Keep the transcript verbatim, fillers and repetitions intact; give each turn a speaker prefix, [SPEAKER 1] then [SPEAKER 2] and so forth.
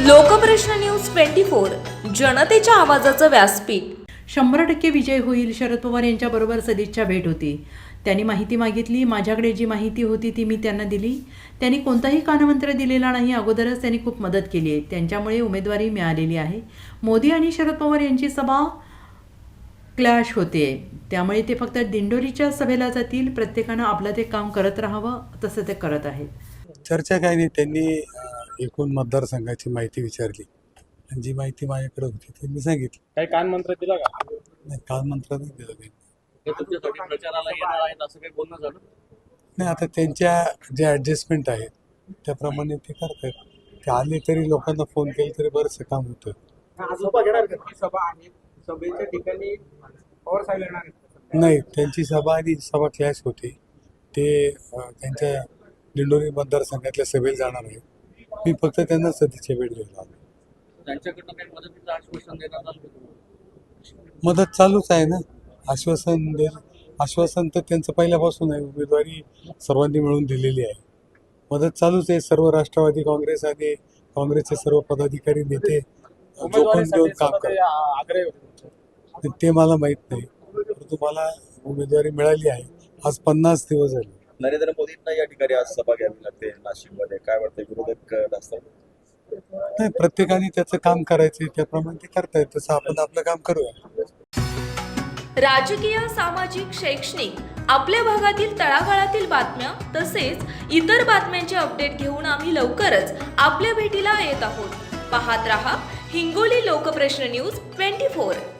[SPEAKER 1] लोकप्रश्न news twenty four जनतेच्या आवाजाचं व्यासपीठ।
[SPEAKER 2] शंभर टक्के विजय होईल, शरद पवार यांच्याबरोबर सदिच्छा भेट होती। त्यांनी माहिती मागितली, माझ्याकडे जी माहिती होती ती मी त्यांना दिली। त्यांनी कोणताही कानमंत्र दिलेला नाही, अगोदरच त्यांनी खूप मदत केली आहे, त्यांच्यामुळे उमेदवारी मिळालेली आहे। मोदी आणि शरद पवार यांची सभा क्लॅश होते, त्यामुळे ते फक्त दिंडोरीच्या सभेला जातील। प्रत्येकानं आपलं ते काम करत राहावं, तसं ते करत आहेत।
[SPEAKER 3] चर्चा काय नाही, त्यांनी एकूण मतदारसंघाची माहिती विचारली आणि जी माहिती माझ्याकडे होती ती मी सांगितली।
[SPEAKER 4] काही कान मंत्र दिला का?
[SPEAKER 3] नाही, काल मंत्र नाही दिलं काही।
[SPEAKER 4] हे तुमच्यासाठी प्रचाराला येणार आहेत असं काही बोलणं झालं
[SPEAKER 3] नाही, आता त्यांच्या जे ॲडजस्टमेंट आहेत त्याप्रमाणे ते करतात। ते आले तरी लोकांना फोन केले तरी बरंचसं काम होतं।
[SPEAKER 4] सभा घेणार का? सभा आहे, सभेच्या ठिकाणी पवार साहेब येणार आहेत?
[SPEAKER 3] नाही, त्यांची सभा आणि सभा क्लॅश होती। ते अं, त्यांच्या दिंडोरी मतदारसंघातल्या सभेला जाणार आहे। मी फक्त त्यांना सदिच्छा भेट द्यायला आलो।
[SPEAKER 4] त्यांच्याकडनं काही मदतीचं आश्वासन देण्यात आलं का?
[SPEAKER 3] मदत चालूच आहे ना, आश्वासन दे आश्वासन तर त्यांचं पहिल्यापासून आहे। उमेदवारी सर्वांनी मिळून दिलेली आहे, मदत चालूच आहे। सर्व राष्ट्रवादी काँग्रेस आणि काँग्रेसचे सर्व पदाधिकारी नेते जोखून देऊन काम करतात, ते मला माहीत नाही, परंतु मला उमेदवारी मिळाली आहे। आज पन्नास दिवस झाले।
[SPEAKER 5] नरेंद्र मोदींना या ठिकाणी आज सभा घ्यावी लागते नाशिकमध्ये, काय वाटतं? विरोधक असतात
[SPEAKER 3] नाही, प्रत्येकाने त्याचं काम करायचं त्याप्रमाणे ते करतायत, तसं आपण आपलं काम करूया।
[SPEAKER 1] राजकीय, सामाजिक, शैक्षणिक आपल्या भागातील तळागाळातील बातम्या तसेच इतर बातम्यांचे अपडेट घेऊन आम्ही लवकरच आपल्या भेटीला येत आहोत। पाहत रहा Hingoli Lokprashna news twenty four.